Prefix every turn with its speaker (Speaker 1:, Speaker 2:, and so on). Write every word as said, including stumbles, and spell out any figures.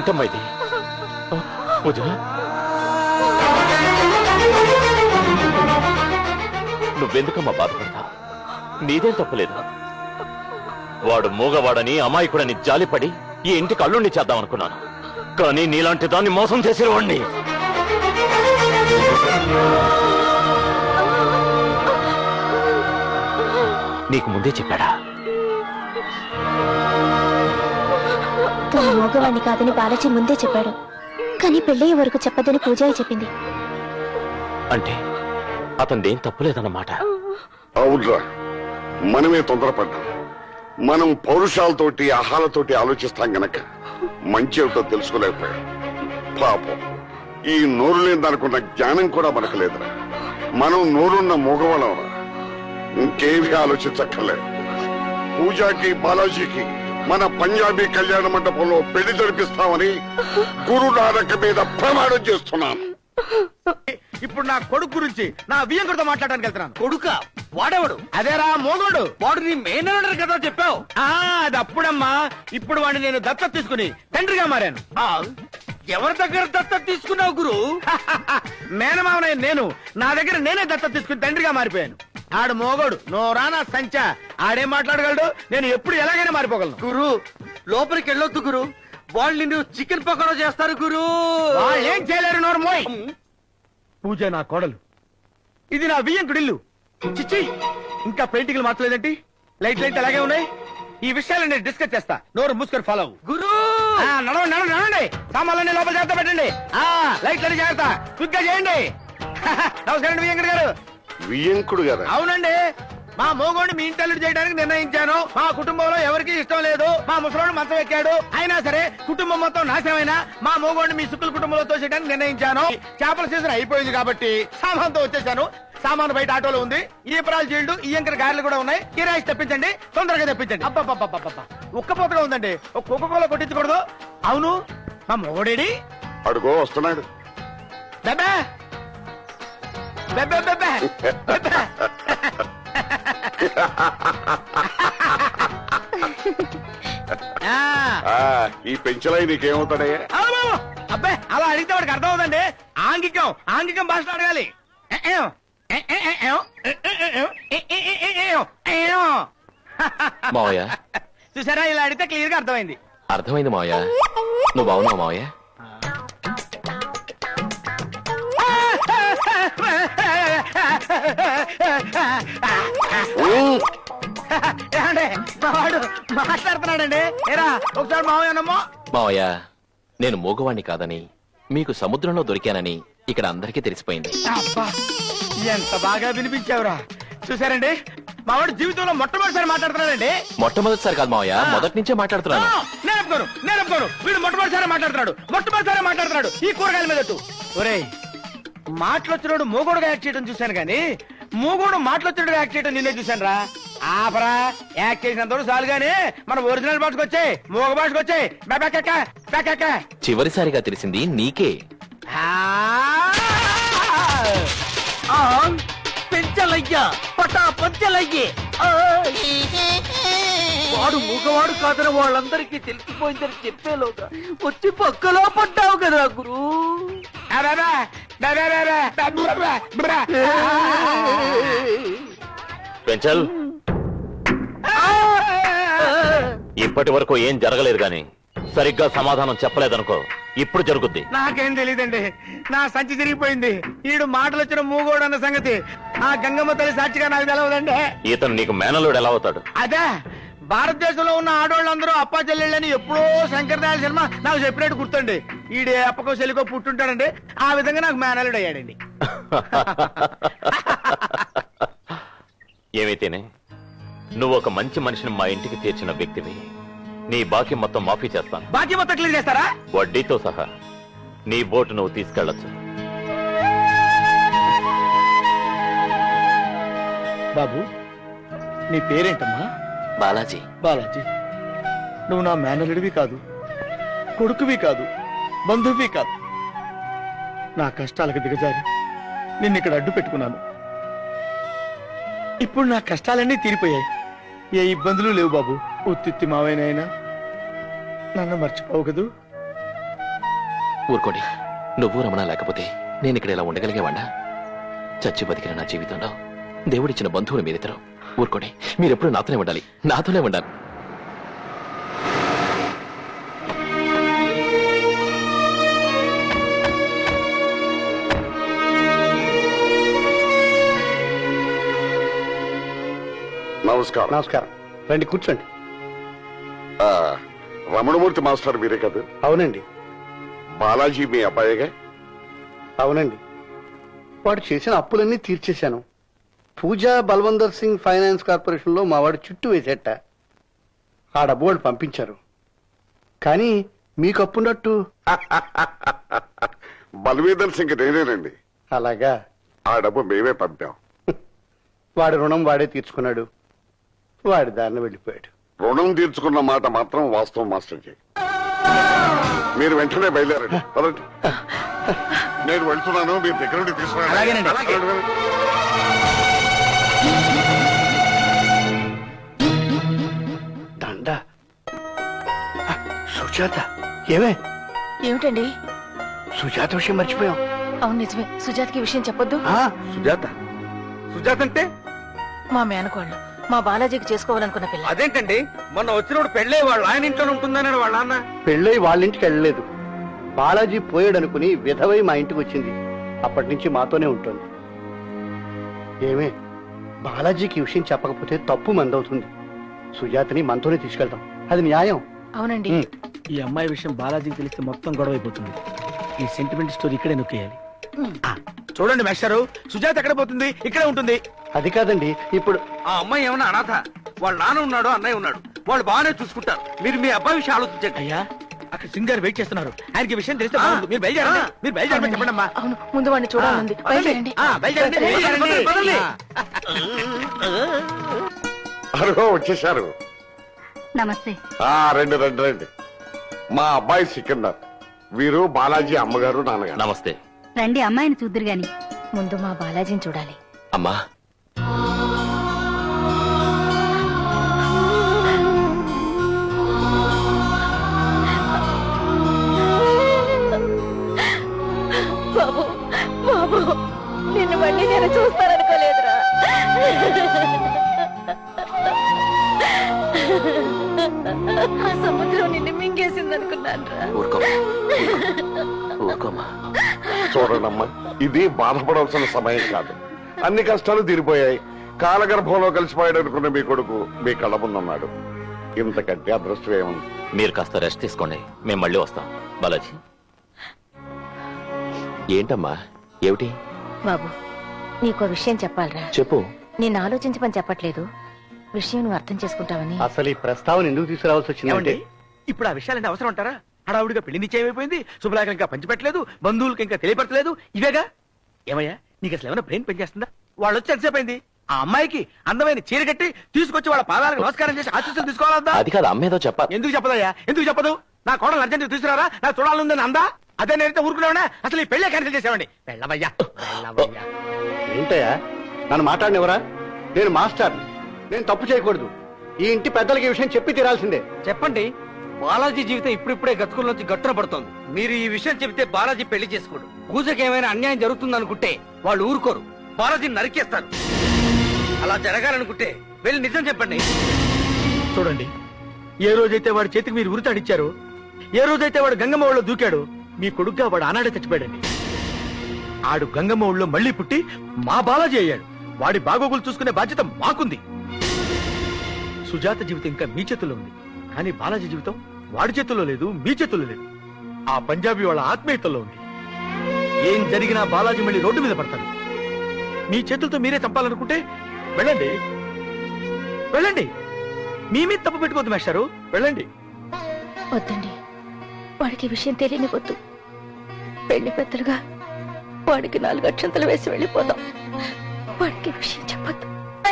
Speaker 1: ఏంటమ్మా ఇది? పూజ, నువ్వెందుకమ్మా బాధపడతా? నీదేం తప్పలేదు. వాడు మూగవాడని అమాయకుడని జాలిపడి ఈ ఇంటికి అల్లుణ్ణి చేద్దాం అనుకున్నాను. కానీ నీలాంటి దాన్ని మోసం చేసేవాడిని. నీకు ముందే చెప్పాడా?
Speaker 2: తన మగవాణ్ణి కాదని బాలాజీ ముందే చెప్పాడు. కానీ పెళ్ళయ్యే వరకు చెప్పదని పూజాయి చెప్పింది.
Speaker 1: అంటే అతనిదేం తప్పులేదన్నమాట.
Speaker 3: అవునరా, మనమే తొందరపడ్డాం. మనం పౌరుషాలతోటి ఆహాలతోటి ఆలోచిస్తాం గనక మంచి ఏమిటో తెలుసుకోలేకపోయాం. పాపం, ఈ నోరు లేదనుకున్న జ్ఞానం కూడా మనకు లేదురా. మనం నోరున్న మూగవాళ్ళంరా. ఇంకేమీ ఆలోచించక్కర్లేదు. పూజాకి బాలాజీకి మన పంజాబీ కళ్యాణ మండపంలో పెళ్లి జరిపిస్తామని గురు నానక్ మీద ప్రమాణం చేస్తున్నాను.
Speaker 4: ఇప్పుడు నా కొడుకు గురించి నా వియ్యంకుడితో మాట్లాడడానికి వెళ్తున్నాను. కొడుక వాడేవాడు? అదేరా మోగోడు. వాడు నీ మేనల్లుడు కదా చెప్పావు. అది అప్పుడమ్మా. ఇప్పుడు వాడిని నేను దత్తత తీసుకుని తండ్రిగా మారాను. ఎవరి దగ్గర దత్తత తీసుకున్నావు గురు? మేనమావనయ్య నేను. నా దగ్గర నేనే దత్తత తీసుకుని తండ్రిగా మారిపోయాను. ఆడు మోగోడు, నోరానా సంచా. ఆడేం మాట్లాడగలడు? నేను ఎప్పుడు ఎలాగైనా మారిపోగలను. గురు, లోపలికి వెళ్ళొద్దు గురు. వాళ్ళు నిన్ను చికెన్ పకోడా చేస్తారు గురు. వాళ్ళు ఏం చేయలేరు. నోరు మోయ్. పూజ నా కోడలు, ఇది నా వియ్యంకుడిల్లు. చిచ్చి, ఇంకా పెయింటింగ్లు మార్చలేదేంటి? లైట్ లైట్ అలాగే ఉన్నాయి. ఈ విషయాలు నేను డిస్కస్ చేస్తా. నోరు మూసుకొని ఫాలో గురు. నడవండి నడవండి నడవండి. సామాన్లన్నీ లోపల జాగ్రత్త పెట్టండి. లైట్లని జాగ్రత్త క్విక్ గా చేయండి. నమస్కారం వియ్యంకుడు గారు.
Speaker 3: వియ్యంకుడు గారు?
Speaker 4: అవునండి. మా మోగోడిని మీ ఇంటల్లుడు చేయడానికి నిర్ణయించాను. మా కుటుంబంలో ఎవరికి ఇష్టం లేదు. మా ముసలోడు మంచం ఎక్కాడు. అయినా సరే కుటుంబం మొత్తం నాశనమైనా మా మోగోడిని మీ సుక్కుల కుటుంబంలో తోసేయడానికి నిర్ణయించాను. చేపల సీజన్ అయిపోయింది కాబట్టి సామాన్తో వచ్చేసాను. సామాను బయట ఆటోలో ఉంది. ఈ పరాలు జీల్డు ఈ ఎంకర గారెలు కూడా ఉన్నాయి. కిరాయిస్ తెప్పించండి, తొందరగా తెప్పించండి. అబ్బా ఉక్కపోతగా ఉందండి. ఒక కుక్క కోల కొట్టించకూడదు. అవును, మా మోగోడేడి?
Speaker 3: అడుగో వస్తున్నాడు.
Speaker 4: బెబ్బే బెబ్బే బెబ్బే బెబ్బే.
Speaker 3: ఈ పెంచలై నీకేమవుతాడయ్యా?
Speaker 4: అబ్బాయి అలా అడిగితే వాడికి అర్థం అవుతుందండి. ఆంగికం ఆంగికం భాషలో అడగాలి.
Speaker 1: మావయ్య,
Speaker 4: చూసారా, ఇలా అడిగితే క్లియర్ గా అర్థమైంది.
Speaker 1: అర్థమైంది మావయ్య. నువ్వు బాగున్నావు మావయ్య?
Speaker 4: వాడు మాట్లాడుతున్నాడండి. ఏరా ఒకసారి మావయ్యనమ్మో.
Speaker 1: మావయ్య, నేను మూగవాణ్ణి కాదని, మీకు సముద్రంలో దొరికానని ఇక్కడ అందరికీ తెలిసిపోయింది.
Speaker 4: అబ్బా, ఎంత బాగా వినిపించావురా. చూసారండి, మావాడు జీవితంలో మొట్టమొదటిసారి మాట్లాడుతున్నాడండి.
Speaker 1: మొట్టమొదటిసారి కాదు మావయ్య, మొదటి నుంచే మాట్లాడుతున్నాను.
Speaker 4: నేను ఒప్పుకోను, నేను ఒప్పుకోను. వీడు మొట్టమొదటిసారి మాట్లాడుతున్నాడు. మొట్టమొదటిసారి మాట్లాడుతున్నాడు ఈ కూరగాయల మీద. ఒరేయ్, మాటలొచ్చినోడు మూగోడుగా యాక్ట్ చేయడం చూశాను గానీ మూగోడు మాటలొచ్చినోడు యాక్ట్ చేయడం నిన్నే చూశాను రా. ఆపరా, యాక్ట్ చేసినంత చాలు గానీ మన ఒరిజినల్ భాషకు వచ్చాయి, మూగ భాషకు వచ్చాయి.
Speaker 1: చివరిసారిగా తెలిసింది నీకే.
Speaker 4: పెంచలయ్యా, పటా పంచలయ్యే. వాడు మూగవాడు కాదని వాళ్ళందరికీ తెలిసిపోయిందని చెప్పేలోగా వచ్చి పక్కలో పడ్డావు కదా గురు.
Speaker 1: పెంచల్, ఇప్పటి వరకు ఏం జరగలేదు గాని సరిగ్గా సమాధానం చెప్పలేదనుకో, ఇప్పుడు జరుగుద్ది.
Speaker 4: నాకేం తెలియదండి, నా సంచి తిరిగిపోయింది. ఈడు మాటలు వచ్చిన మూగోడు అన్న సంగతి ఆ గంగమ్మ తల్లి సాక్షిగా నాకు తెలవదండి.
Speaker 1: ఇతను నీకు మేనల్లుడు ఎలా అవుతాడు?
Speaker 4: అదే, భారతదేశంలో ఉన్న ఆడవాళ్ళందరూ అప్పా చెల్లెళ్ళని ఎప్పుడో శంకరదయాళ శర్మ నాకు చెప్పినట్టు గుర్తుండి. ఈడే అప్పకో చెల్లికో పుట్టుంటాడండి. ఆ విధంగా నాకు మేనల్లుడు అయ్యాడండి.
Speaker 1: ఏమైతేనే నువ్వు ఒక మంచి మనిషిని మా ఇంటికి తీర్చిన వ్యక్తివి. నీ బాకీ మొత్తం మాఫీ చేస్తాను.
Speaker 4: బాకీ మొత్తం క్లియర్ చేస్తారా?
Speaker 1: వడ్డీతో సహా. నీ బోటు నువ్వు తీసుకెళ్లొచ్చు.
Speaker 4: బాబు, నీ పేరేంటమ్మా?
Speaker 1: బాలాజీ.
Speaker 4: బాలాజీ, నువ్వు నా మేనల్లుడివి కాదు, కొడుకువి కాదు, బంధువువి కాదు. నా కష్టాలకు దిగజారి నిన్నిక్కడ అడ్డు పెట్టుకున్నాను. ఇప్పుడు నా కష్టాలన్నీ తీరిపోయాయి. ఏ ఇబ్బందులు లేవు బాబు. ఉత్తిత్తి మావైనైనా నన్ను మర్చిపోవు కదూ.
Speaker 5: ఊరుకోండి. నువ్వు రమణ లేకపోతే నేను ఇక్కడ ఇలా ఉండగలిగేవాడా? చచ్చి బతికిన నా జీవితంలో దేవుడిచ్చిన బంధువులు మీరిద్దరు. ఊరుకోండి. మీరెప్పుడు నాతోనే ఉండాలి, నాతోనే ఉండాలి.
Speaker 3: నమస్కారం.
Speaker 6: నమస్కారం. రండి కూర్చోండి.
Speaker 3: ఆ, రమణమూర్తి మాస్టర్ మీరే కదా?
Speaker 6: అవునండి.
Speaker 3: బాలాజీ మీ అబ్బాయిగా?
Speaker 6: అవునండి. వాడు చేసిన అప్పులన్నీ తీర్చేశాను. పూజా బల్వందర్ సింగ్ ఫైనాన్స్ కార్పొరేషన్ లో మా వాడు చుట్టూ వేసేట. ఆ డబ్బు వాళ్ళు పంపించారు. కానీ మీకు అప్పున్నట్టు.
Speaker 3: బల్వీందర్ సింగ్ నేనేనండి.
Speaker 6: అలాగా?
Speaker 3: ఆ డబ్బు మేమే పంపాం.
Speaker 6: వాడి రుణం వాడే తీర్చుకున్నాడు. వాడి దారిని వెళ్ళిపోయాడు.
Speaker 3: రుణం తీర్చుకున్న మాట మాత్రం వాస్తవం మాస్టర్జీ. మీరు వెంటనే బయలుదేరండి. పదండి. నేను వెళ్తున్నాను, మీరు దగ్గర నుండి
Speaker 4: అలాగేనండి.
Speaker 3: తీసుకురండి.
Speaker 6: దండ. సుజాత. ఏమే?
Speaker 7: ఏమిటండి?
Speaker 6: సుజాత విషయం మర్చిపోయాం.
Speaker 7: అవును నిజమే. సుజాతకి విషయం చెప్పొద్దు.
Speaker 6: ఆ,
Speaker 4: సుజాత సుజాత అంటే
Speaker 7: మా మేనకోళ్ళు మా బాలాజీకి చేసుకోవాలనుకున్న పిల్ల.
Speaker 4: అదేంటండి, మొన్న వచ్చినప్పుడు పెళ్ళే వాళ్ళ ఆయన ఇంట్లో ఉంటుందన్నాడు వాళ్ళ నాన్న.
Speaker 6: పెళ్ళై వాళ్ళ ఇంటికి వెళ్ళలేదు. బాలాజీ పోయాడనుకుని విధవై మా ఇంటికి వచ్చింది. అప్పటి నుంచి మాతోనే ఉంటుంది. ఏమే, బాలాజీకి ఈ విషయం చెప్పకపోతే తప్పు మందవుతుంది. సుజాతని మనతోనే తీసుకెళ్తాం. అది న్యాయం.
Speaker 7: అవునండి.
Speaker 6: ఉమ్.
Speaker 4: ఈ అమ్మాయి విషయం బాలాజీకి తెలిస్తే మొత్తం గొడవ అయిపోతుంది. ఈ సెంటిమెంట్ స్టోరీ ఇక్కడే నొక్కేయాలి. ఆ, చూడండి మేస్టారు, సుజాత ఎక్కడ పోతుంది? ఇక్కడే ఉంటుంది.
Speaker 6: అది కాదండి, ఇప్పుడు
Speaker 4: ఆ అమ్మాయి ఏమన్నా అనాథ? వాళ్ళ నాన్న ఉన్నాడు, అన్నయ్య ఉన్నాడు, వాళ్ళు బాగానే చూసుకుంటారు. మీరు మీ అబ్బాయి విషయం ఆలోచించండి. అయ్యా, అక్కడ సింగ్ గారు వెయిట్ చేస్తున్నారు. ఆయనకి విషయం తెలిస్తే బాగుంది. మీరు బయలుదేరండి. మీరు బయలుదేరమని చెప్పండి అమ్మా.
Speaker 7: అవును, ముందు వాడిని చూడాలండి. బయలుదేరండి.
Speaker 4: ఆ, బయలుదేరండి, బయలుదేరండి, పదండి.
Speaker 3: అరుగో వచ్చేశారు.
Speaker 2: నమస్తే.
Speaker 3: ఆ రండి రండి రండి. మా అబ్బాయి సికిందర్. వీరు బాలాజీ అమ్మగారు, నాన్నగారు.
Speaker 5: నమస్తే.
Speaker 2: రండి, అమ్మాయిని చూద్దరు గాని. ముందు మా బాలాజీని చూడాలి.
Speaker 5: అమ్మా,
Speaker 2: బాబు, బాబు, నిన్ను మళ్ళీ నేను చూస్తాననుకోలేదురా. ఆ సముద్రం నిన్ను మింగేసిందనుకున్నాను రా.
Speaker 5: ఊరుకోమా, ఊరుకోమా.
Speaker 3: చూడండమ్మా, ఇది బాధపడవలసిన సమయం కాదు. అన్ని కష్టాలు తీరిపోయాయి. కాలగర్భంలో కలిసిపోయాడు అనుకున్న మీ కొడుకు మీ కళ్ళ ముందున్నాడు. ఇంతకంటే అదృష్టం ఏముంది?
Speaker 1: మీరు కాస్త రెస్ట్ తీసుకోండి, మేము మళ్ళీ వస్తాం. బాలాజీ,
Speaker 5: ఏంటమ్మా, ఏమిటి?
Speaker 2: బాబు, నీకో విషయం చెప్పాలరా.
Speaker 5: చెప్పు.
Speaker 2: నేను ఆలోచించమని చెప్పట్లేదు, విషయం నువ్వు అర్థం చేసుకుంటావని.
Speaker 6: అసలు ఈ ప్రస్తావన ఎందుకు తీసుకురావాల్సి వచ్చిందంటే,
Speaker 4: ఏమండి, ఇప్పుడు ఆ విషయాలంటే అవసరం అంటారా? హడావుడిగా పెళ్లి నిశ్చయం అయిపోయింది, శుభలేఖ ఇంకా పంచిపెట్టలేదు, బంధువులకి ఇంకా తెలియపరచలేదు. ఇవేగా. ఏమయ్యా, నీకు అసలు ఏమైనా బ్రెయిన్ పనిచేస్తుందా? వాళ్ళు వచ్చి ఎంతసేపు అయింది? ఆ అమ్మాయికి అందమైన చీర కట్టి తీసుకొచ్చి వాళ్ళ పాదాలకు నమస్కారం చేసి ఆశీస్సులు తీసుకోవాలందా?
Speaker 5: అది కాదు, అమ్మేదో చెప్పాలి.
Speaker 4: ఎందుకు చెప్పదయ్యా? ఎందుకు చెప్పదు? నా కోడలు అర్జెంట్ తీసుకురారా, నాకు చూడాలందని అందా? అదే నేనైతే ఊరుకునేవాడా? అసలు ఈ పెళ్ళే క్యాన్సిల్ చేసేవాడి. వెళ్ళవయ్యా, వెళ్ళవయ్యా.
Speaker 6: ఏంటయ్యా నన్ను మాట్లాడినవరా? నేను మాస్టర్, నేను తప్పు చేయకూడదు. ఈ ఇంటి పెద్దలకి ఈ విషయం చెప్పి తీరాల్సిందే.
Speaker 4: చెప్పండి. బాలాజీ జీవితం ఇప్పుడిప్పుడే గతుకుల నుంచి గట్టున పడుతోంది. మీరు ఈ విషయం చెబితే బాలాజీ పెళ్లి చేసుకోడు. పూజకి ఏమైనా అన్యాయం జరుగుతుంది అనుకుంటే వాళ్ళు ఊరుకోరు, బాలాజీని నరికేస్తారు. అలా జరగాలనుకుంటే వెళ్ళి నిజం చెప్పండి. చూడండి, ఏ రోజైతే వాడి చేతికి మీరు ఉరితాడిచ్చారో, ఏ రోజైతే వాడు గంగమ్మ ఊళ్ళో దూకాడు, మీ కొడుగ్గా వాడు ఆనాడే చచ్చిపోయాడండి. ఆడు గంగమ్మ ఊళ్ళో మళ్లీ పుట్టి మా బాలాజీ అయ్యాడు. వాడి బాగోగులు చూసుకునే బాధ్యత మాకుంది. సుజాత జీవితం ఇంకా మీ చేతుల్లో ఉంది, కానీ బాలాజీ జీవితం వాడి చేతుల్లో లేదు, మీ చేతుల్లో లేదు. ఆ పంజాబీ వాళ్ళ ఆత్మీయతల్లో ఉంది. ఏం జరిగినా బాలాజీ మళ్ళీ రోడ్డు మీద పడతాడు. మీ చేతులతో మీరే చంపాలనుకుంటే వెళ్ళండి, వెళ్ళండి. మీ మీద తప్పు పెట్టుకోవద్దు మేస్టారు, వెళ్ళండి.
Speaker 2: వద్దండి, వాడికి ఈ విషయం తెలియనివద్దు. పెళ్లి పెద్దలుగా వాడికి నాలుగు అక్షంతలు వేసి వెళ్ళిపోదాం. వాడికి ఈ విషయం చెప్పొద్దు.